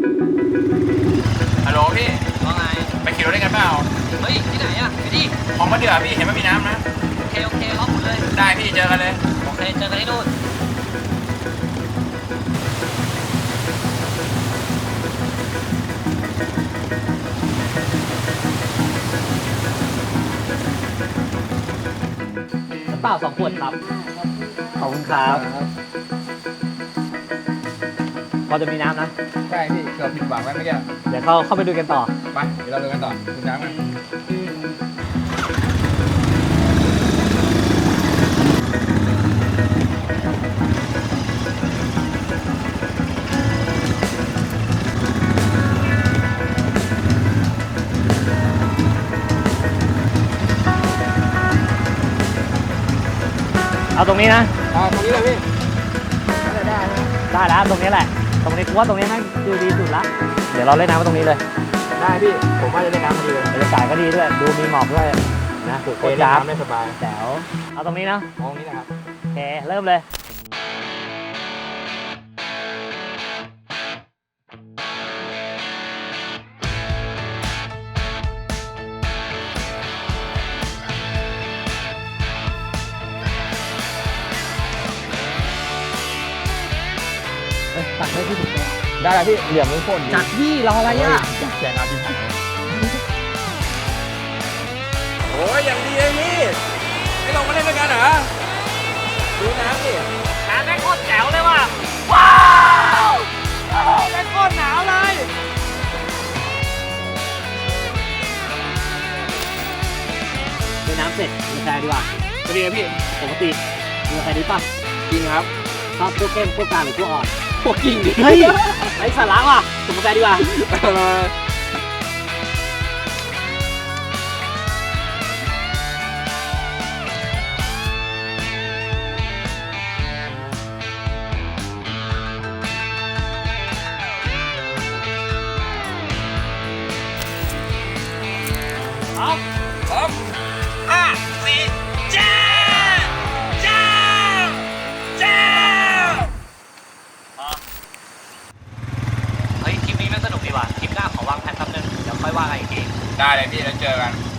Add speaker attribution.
Speaker 1: ฮัลโหลพี่
Speaker 2: ว่าไง
Speaker 1: ไปขี่รถได้กันเปล่า
Speaker 2: เฮ้ยที่ไหนอะไปดิ
Speaker 1: ของมาเดือพี่เห็นว่ามีน้ำนะ
Speaker 2: โอเคโอเคล็อกหมดเลย
Speaker 1: ได้พี่เจอกันเลย
Speaker 2: โอเคเจอกันที่นู่นน้ำเปล่า2 ขวดครับขอบคุณครับพอจะมีน้ำนะ
Speaker 3: ใช่พี่เกือบผิดหวังไว้เมื่อกี้
Speaker 2: เดี๋ยวเข้าไปดูกันต่อ
Speaker 3: ไปเดี๋ยวเราดูกันต่อคุณน้ำกัน
Speaker 2: เอาตรงนี้นะ
Speaker 3: ตรงนี้เลยพี่
Speaker 2: ได้แล้วตรงนี้แหละตรงนี้กูว่าตรงนี้น่าดูดีสุดละเดี๋ยวเราเล่นน้ำตรงนี้เลย
Speaker 3: ได้พี่ผมว่าจะเล่นน้ำดีเลย
Speaker 2: บรรยากาศก็ดีด้วยดูมีหมอกด้วยนะ
Speaker 3: โอเคเล่นน้ำได้สบาย
Speaker 2: แจ๋วเอาตรงนี้นะ
Speaker 3: มองนี้นะครับ
Speaker 2: โอเคเริ่มเลยตัดให้พี่ถูกต้อง
Speaker 3: ได้แล้วพี่เหลี่ยมทุกคน
Speaker 2: จัดพี่รออะไรอ่ะ
Speaker 3: แจกน้ำพี่
Speaker 1: โอ้ยอย่างดีเลยพี่ไม่ลงมาเล่นด้วยกันเหรอดูน้ำดิ
Speaker 2: น้ำแม่งโคตรแจ๋วเลยว่ะว้าวแม่งโคตรหนาวเลยเล่นน้ำเสร็จมีแฟดีกว่า
Speaker 1: จะดีไหมพี่
Speaker 2: ปกติมีแฟดีป่ะ
Speaker 1: จริงครับ
Speaker 2: ชอบพวกเก้มพวกกลางหรือพวกอ่อน
Speaker 1: พวกกิ่งดิ
Speaker 2: เฮ้ยไอ้สาระว่ะสมมติดีกว่า
Speaker 1: พร้อม5 4จ้าจ้าจ้า
Speaker 2: เฮ้ยคลิปนี้มันสนุกดีว่ะคลิปหน้าขอวางแผนแป๊บนึงเดี๋ยวค่อยว่ากันอีกที
Speaker 1: ได้เลยพี่แล้วเจอกัน